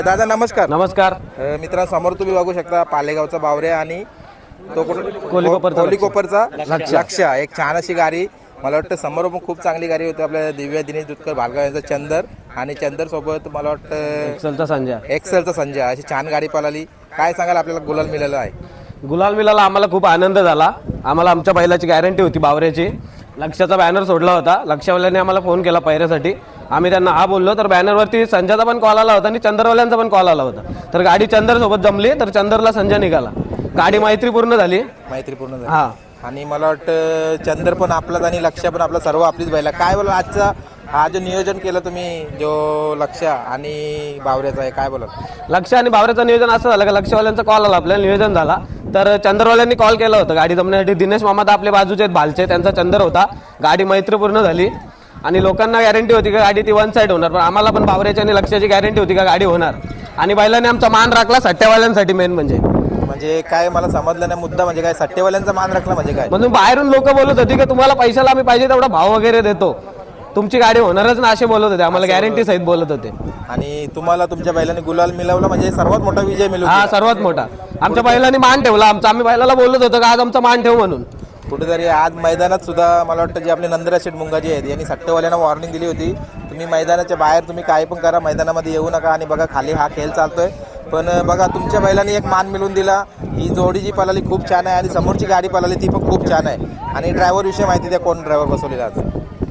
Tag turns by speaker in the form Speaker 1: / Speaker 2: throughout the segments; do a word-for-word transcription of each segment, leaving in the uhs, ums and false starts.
Speaker 1: दादा नमस्कार.
Speaker 2: नमस्कार
Speaker 1: अ, मित्रांनो, समोर तुम्ही बघू शकता पालेगावचा बावऱ्या आणि तो कुठं
Speaker 2: कोलीकोपरचा
Speaker 1: कोलीकोपरचा
Speaker 2: लक्ष.
Speaker 1: लक्ष. एक छान अशी गाडी. मला वाटतं समोर पण खूप चांगली गाडी होती आपल्या दिव्या दिनेश दुधकर भालगाव यांचा चंदर आणि चंदर सोबत मला वाटतं
Speaker 2: एक्सेलचा संजय.
Speaker 1: एक्सेलचा संजय. अशी छान गाडी पळाली. काय सांगाल, आपल्याला गुलाल मिळाला आहे?
Speaker 2: गुलाल मिळाला, आम्हाला खूप आनंद झाला. आम्हाला आमच्या बैलाची गॅरंटी होती बावऱ्याची. लक्षाचा बॅनर सोडला होता, लक्षवाल्यांनी आम्हाला फोन केला पायऱ्यासाठी. आम्ही त्यांना हा बोललो तर बॅनरवरती संजयचा पण कॉल आला होता आणि चंदरवाल्यांचा पण कॉल आला होता. तर गाडी चंदर सोबत जमली तर चंदरला संजय निघाला. गाडी मैत्रीपूर्ण झाली.
Speaker 1: मैत्रीपूर्ण झाली.
Speaker 2: हा.
Speaker 1: आणि मला वाटतं चंदर पण आपलाच आणि लक्ष पण आपला, सर्व आपलीच बैला. काय बोला आजचा हा जो नियोजन केलं तुम्ही, जो लक्ष आणि बावऱ्याचा आहे, काय बोला?
Speaker 2: लक्ष आणि बावऱ्याचं नियोजन असं झालं का लक्षवाल्यांचा कॉल आला, आपल्याला नियोजन झाला. तर चंदरवाल्यांनी कॉल केला होता गाडी जमण्यासाठी. दिनेश मामा तर आपल्या बाजूचे आहेत, भालचे, त्यांचा चंदर होता. गाडी मैत्रीपूर्ण झाली आणि लोकांना गॅरंटी होती का गाडी ती वन साईड होणार, पण आम्हाला पण बावऱ्याची आणि लक्षाची गॅरंटी होती का गाडी होणार. आणि बैलाने आमचा मान राखला सट्ट्यावाल्यांसाठी. मेन म्हणजे
Speaker 1: म्हणजे काय मला समजलं नाही मुद्दा, म्हणजे काय सट्टेवाल्यांचा मान राखला म्हणजे काय?
Speaker 2: म्हणून बाहेरून लोक बोलत होती की तुम्हाला पैशाला आम्ही पाहिजे तेवढा भाव वगैरे देतो, तुमची गाडी होणारच ना, असे बोलत होते. आम्हाला गॅरंटी सहित बोलत होते.
Speaker 1: आणि तुम्हाला तुमच्या बैलाने गुलाल मिळवला म्हणजे सर्वात मोठा विजय मिळवला.
Speaker 2: हा, सर्वात मोठा. आमच्या बैलाने मान ठेवला आमचा. आम्ही बैलाला बोलत होतो का आज आमचा मान ठेव म्हणून.
Speaker 1: कुठेतरी आज मैदानात सुद्धा मला वाटतं जे आपले नंदराज शेठ मुंगाजी आहेत यांनी सट्टेवाल्यांना वॉर्निंग दिली होती, तुम्ही मैदानाच्या बाहेर तुम्ही काय पण करा, मैदानामध्ये येऊ नका. आणि बघा खाली हा खेळ चालतोय, पण बघा तुमच्या बैलांनी एक मान मिळवून दिला. ही जोडी जी पळाली खूप छान आहे आणि समोरची गाडी पळाली ती पण खूप छान आहे. आणि ड्रायव्हर विषयी माहिती द्या, कोण ड्रायव्हर बसवलेला आज?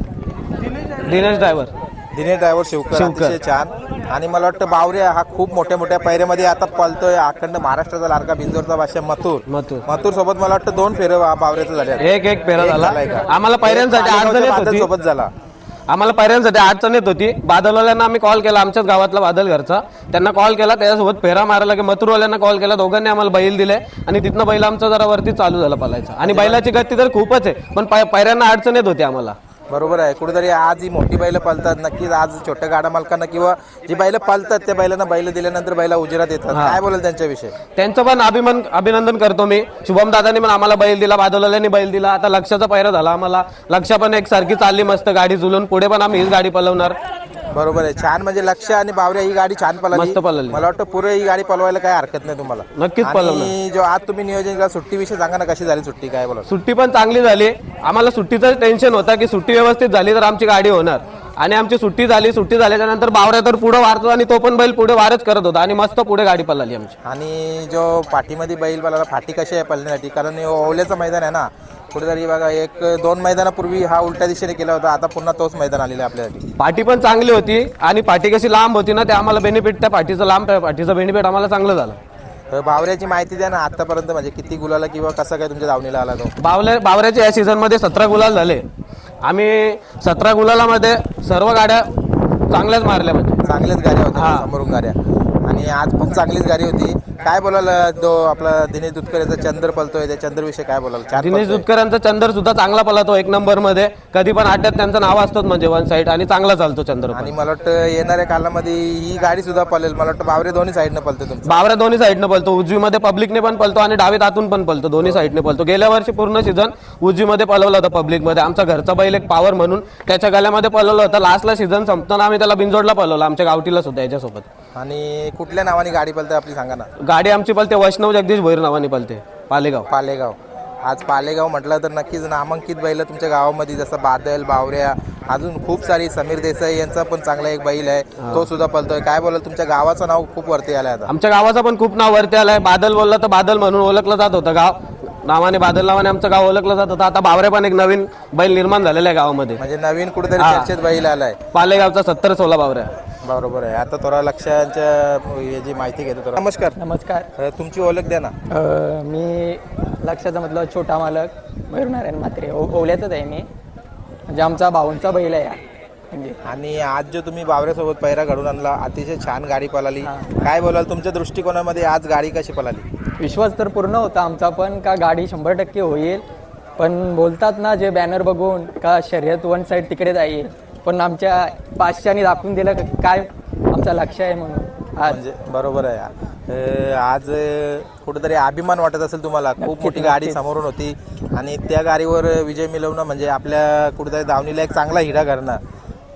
Speaker 2: दिनेश ड्रायव्हर.
Speaker 1: दिनेश ड्रायव्हर शिवकर. अतिशय छान. आणि मला वाटतं बावऱ्या हा खूप मोठ्या मोठ्या पैऱ्यामध्ये आता पळतोय. अखंड महाराष्ट्राचा लाडका बिंजोरचा भाषा मथुर
Speaker 2: मथुर
Speaker 1: मथुर सोबत मला वाटतं दोन फेरे बावऱ्याचं झाले.
Speaker 2: एक एक फेरा झाला. आम्हाला पैऱ्यांसाठी अडचण येत होती.
Speaker 1: सोबत झाला.
Speaker 2: आम्हाला पैऱ्यांसाठी अडचण येत होती. बादलवाल्यांना आम्ही कॉल केला, आमच्याच गावातला बादल घरचा, त्यांना कॉल केला, त्याच्यासोबत फेरा मारायला की मथुरवाल्यांना कॉल केला. दोघांनी आम्हाला बैल दिले आणि तिथनं बैल आमचा जरा वरती चालू झाला पळायचा. आणि बैलाची गती तर खूपच आहे, पण पैऱ्यांना अडचण येत होती आम्हाला.
Speaker 1: बरोबर आहे. कुठेतरी आज ही मोठी बैलं पळतात. नक्कीच आज छोट्या गाड्या मालकांना किंवा जी बैलं पळतात त्या बैलांना बैल दिल्यानंतर बैला उजेरात येतात. काय बोलाल त्यांच्याविषयी?
Speaker 2: त्यांचं पण अभिमान अभिनंदन करतो मी. शुभम दादांनी पण आम्हाला बैल दिला, बादलवाल्यांनी बैल दिला. आता लक्षाचा पैरा झाला आम्हाला. लक्ष पण एक सारखी चालली मस्त गाडी झुलून. पुढे पण आम्ही हीच गाडी पळवणार.
Speaker 1: बरोबर आहे. छान. म्हणजे लक्ष आणि बावऱ्या ही गाडी छान पळाली.
Speaker 2: मस्त पळाली.
Speaker 1: मला वाटतं पुरे ही गाडी पळवायला काय हरकत नाही तुम्हाला.
Speaker 2: नक्कीच पळवणार.
Speaker 1: आणि जो आज तुम्ही नियोजन केला सुट्टीविषयी सांगा ना, कशी झाली सुट्टी, काय बोला?
Speaker 2: सुट्टी पण चांगली झाली. आम्हाला सुट्टीचं टेन्शन होता की सुट्टी व्यवस्थित झाली तर आमची गाडी होणार. आणि आमची सुट्टी झाली. सुट्टी झाल्याच्या नंतर बावऱ्या तर पुढे वारतो आणि तो पण बैल पुढे वारच करत होता आणि मस्त पुढे गाडी पळाली आमची.
Speaker 1: आणि जो पाठीमध्ये बैल पळाला, फाटी कशी आहे पळण्यासाठी? कारण हे ओवल्याचं मैदान आहे ना. कुठेतरी बघा एक दोन मैदानापूर्वी हा उलट्या दिशेने केला होता, आता पुन्हा तोच मैदान आलेला आहे आपल्यासाठी.
Speaker 2: पाठी पण चांगली होती आणि पाठी कशी लांब होती ना, ते आम्हाला बेनिफिट, त्या पाठीचं लांब पाठीचं बेनिफिट आम्हाला चांगलं झालं.
Speaker 1: बावऱ्याची माहिती द्या ना आतापर्यंत, म्हणजे किती गुलाला किंवा कसा काय तुमच्या धावणीला आला तो?
Speaker 2: बावल्या बावऱ्याच्या या सीझनमध्ये सतरा गुलाल झाले. आम्ही सतरा गुलालामध्ये सर्व गाड्या चांगल्याच मारल्या, म्हणजे
Speaker 1: चांगल्याच गाड्या होत्या समोरून गाड्या. आणि आज पण चांगलीच गाडी होती. काय बोलाल जो आपला दिनेश दुधकर याचा चंद्र पळतोय, त्या चंद्रविषयी काय बोलाल?
Speaker 2: दिनेश दुधकरांचा चंद्र सुद्धा चांगला पळतो एक नंबर मध्ये. कधी पण अड्ड्यात त्यांचं नाव असतं म्हणजे वन साईड, आणि चांगला चालतो चंद्र.
Speaker 1: आणि मला वाटतं येणाऱ्या कालामध्ये ही गाडी सुद्धा पळेल. मला वाटतं बावरे दोन्ही साईडनं पळतो तुमचं.
Speaker 2: बावऱ्या दोन्ही साईडनं पळतो. उजवीमध्ये पब्लिकने पण पळतो आणि डावीत आतून पण पळतो. दोन्ही साईडने पळतो. गेल्या वर्षी पूर्ण सीझन उजवीमध्ये पळवलं होतं पब्लिकमध्ये. आमचा घरचा बैल एक पॉवर म्हणून त्याच्या गळ्यामध्ये पळवलं होतं. लास्टला सीझन संपताना आम्ही त्याला बिंजोडला पळवलं, आमच्या गावठीला सुद्धा याच्यासोबत.
Speaker 1: आणि कुठल्या नावाने गाडी पळते आपली सांगा ना?
Speaker 2: गाडी आमची पळते वैष्णव जगदीश भोईर नावाने पळते, पालेगाव.
Speaker 1: पालेगाव. आज पालेगाव म्हटलं तर नक्कीच नामांकित बैल तुमच्या गावामध्ये, जसं बादल, बावऱ्या, अजून खूप सारी. समीर देसाई यांचा पण चांगला एक बैल आहे, तो सुद्धा पळतोय. काय बोलाल, तुमच्या गावाचं नाव खूप वरती आलंय आता?
Speaker 2: आमच्या गावाचं पण खूप नाव वरती आलंय. बादल बोलला तर बादल म्हणून ओळखलं जात होतं गाव नावाने, बादल नावाने आमचं गाव ओळखलं जात होतं. आता बावऱ्या पण एक नवीन बैल निर्माण झालेला आहे गावामध्ये,
Speaker 1: म्हणजे नवीन कुठेतरी चर्चेत बैल आलाय.
Speaker 2: पालेगावचा सत्तर सोळा बावऱ्या.
Speaker 1: बरोबर आहे. आता थोडा लक्षांच्या याची माहिती घेतो थोडा. नमस्कार.
Speaker 3: नमस्कार.
Speaker 1: तुमची ओळख द्या ना.
Speaker 3: अ, मी लक्षाचा मतलब छोटा मालक मयूरनारायण म्हात्रे, ओ ओल्याचाच आहे मी. म्हणजे आमचा भाऊंचा बैल आहे म्हणजे.
Speaker 1: आणि आज जो तुम्ही बावऱ्यासोबत पैरा घडून आणला, अतिशय छान गाडी पळाली. काय बोलाल तुमच्या दृष्टिकोनामध्ये आज गाडी कशी पळाली?
Speaker 3: विश्वास तर पूर्ण होता आमचा पण का गाडी शंभर टक्के होईल, पण बोलतात ना जे बॅनर बघून का शर्यत वन साईड तिकडे जाईल, पण आमच्या पाचशाने दाखवून दिलं काय आमचा लक्ष आहे म्हणून आज.
Speaker 1: म्हणजे बरोबर आहे. आज कुठेतरी अभिमान वाटत असेल तुम्हाला. खूप मोठी गाडी समोरून होती आणि त्या गाडीवर विजय मिळवणं म्हणजे आपल्या कुठेतरी धावणीला एक चांगला हिरा करणं.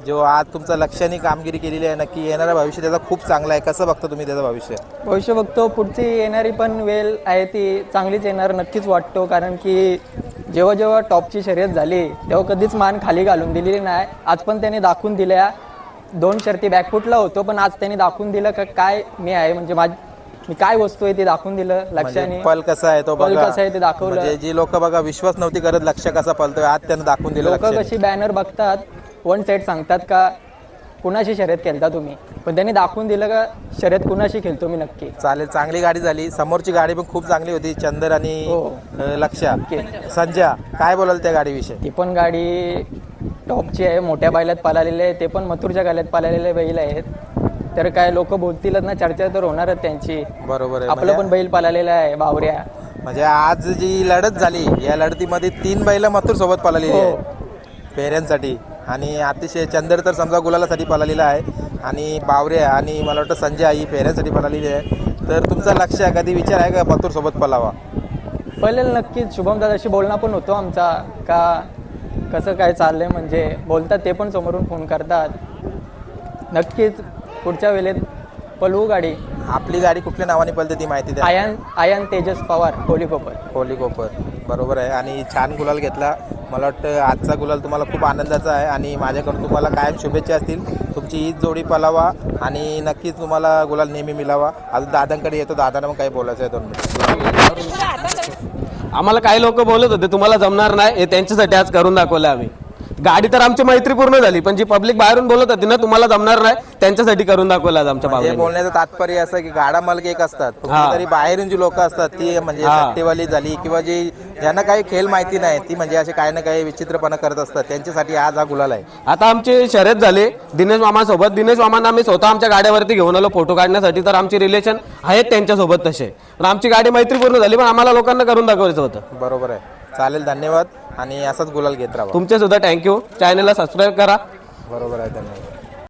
Speaker 1: जो आज तुमचं लक्षाने कामगिरी केलेली आहे नक्की येणारं भविष्य त्याचा खूप चांगलं आहे. कसं बघता तुम्ही त्याचं भविष्य?
Speaker 3: भविष्य बघतो पुढची येणारी पण वेळ आहे ती चांगलीच येणार नक्कीच वाटतो, कारण की जेव्हा जेव्हा टॉपची शर्यत झाली तेव्हा कधीच मान खाली घालून दिलेली नाही. आज पण त्याने दाखवून दिल्या, दोन शर्ती बॅकफुटला होतो पण आज त्यांनी दाखवून दिलं का काय मी आहे, म्हणजे माझ मी काय वस्तू आहे ते दाखवून दिलं लक्षाने.
Speaker 1: म्हणजे पल कसा आहे तो
Speaker 3: पल
Speaker 1: बघा,
Speaker 3: कसा आहे ते दाखवलं.
Speaker 1: म्हणजे जी लोक बघा विश्वास नव्हती करत लक्ष कसा पलतोय आज त्यानं दाखवून दिलं.
Speaker 3: लोक
Speaker 1: लक्ष्याने.
Speaker 3: कशी बॅनर बघतात वन साईड सांगतात का कुणाशी शर्यत खेळता तुम्ही, पण त्यांनी दाखवून दिलं का शर्यत कुणाशी खेळतो मी नक्की.
Speaker 1: चालेल, चांगली गाडी झाली. समोरची गाडी पण खूप चांगली होती, चंदर आणि
Speaker 3: हो.
Speaker 1: अं, लक्ष्या. संजय काय बोलाल त्या गाडीविषयी?
Speaker 3: ती पण गाडी टॉपची आहे, मोठ्या बैलात पळालेले आहे, ते पण मथुरच्या गाल्यात पळालेले बैल आहेत. तर काय लोक बोलतीलच ना, चर्चा तर होणारच त्यांची.
Speaker 1: बरोबर आहे.
Speaker 3: आपलं पण बैल पळालेला आहे बावऱ्या.
Speaker 1: म्हणजे आज जी लढत झाली या लढतीमध्ये तीन बैल मथुर सोबत पळालेली
Speaker 3: हो.
Speaker 1: आहे पेऱ्यांसाठी, आणि अतिशय चंदर तर समजा गुलालासाठी पळालेला आहे, आणि बावऱ्या आणि मला वाटतं संजय ही पेऱ्यांसाठी पळालेली आहे. तर तुमचा लक्ष आहे कधी विचार आहे का मथुर सोबत पळावा?
Speaker 3: पहिले नक्कीच शुभम दादाशी बोलणं पण होतो आमचा का कसं काय चाललंय, म्हणजे बोलतात ते पण समोरून फोन करतात. नक्कीच पुढच्या वेळेत पळवू गाडी.
Speaker 1: आपली गाडी कुठल्या नावाने पळते ती माहिती द्या.
Speaker 3: आयन आयन तेजस पवार कोलीकोपर.
Speaker 1: कोहली कोपर, बरोबर आहे. आणि छान गुलाल घेतला. मला वाटतं आजचा गुलाल तुम्हाला खूप आनंदाचा आहे, आणि माझ्याकडून तुम्हाला कायम शुभेच्छा असतील. तुमची हीच जोडी पळावा आणि नक्कीच तुम्हाला गुलाल नेहमी मिळावा. अजून दादांकडे येतो, दादांना मग काही बोलायचं आहे दोन मिनिट.
Speaker 2: आम्हाला काही लोक बोलत होते तुम्हाला जमणार नाही, हे त्यांच्यासाठी आज करून दाखवलं आम्ही. गाडी तर आमची मैत्री पूर्ण झाली, पण जी पब्लिक बाहेरून बोलत होती ना तुम्हाला जमणार नाही, त्यांच्यासाठी करून दाखवलं आज आमच्या
Speaker 1: हे
Speaker 2: बाबा.
Speaker 1: बोलण्याचं तात्पर्य असं की गाडा मालक एक असतात,
Speaker 2: हा.
Speaker 1: तरी बाहेरून जी लोक असतात ती म्हणजे
Speaker 2: हा.
Speaker 1: सट्टेवाली झाली किंवा जी ज्यांना काही खेळ माहिती नाही ती म्हणजे असे काही ना काही विचित्रपणा करत असतात, त्यांच्यासाठी आज हा गुलाल आहे.
Speaker 2: आता आमची शर्यत झाली दिनेश मामासोबत. दिनेश मामांना आम्ही स्वतः आमच्या गाड्यावरती घेऊन आलो फोटो काढण्यासाठी, तर आमची रिलेशन आहेत त्यांच्यासोबत तसे. पण आमची गाडी मैत्रीपूर्ण झाली, पण आम्हाला लोकांना करून दाखवायचं होतं.
Speaker 1: बरोबर आहे. चालेल, धन्यवाद. आणि असाच गुलाल घेत राहा.
Speaker 2: तुमचे सुद्धा थँक्यू. चॅनलला सबस्क्राईब करा.
Speaker 1: बरोबर आहे, धन्यवाद.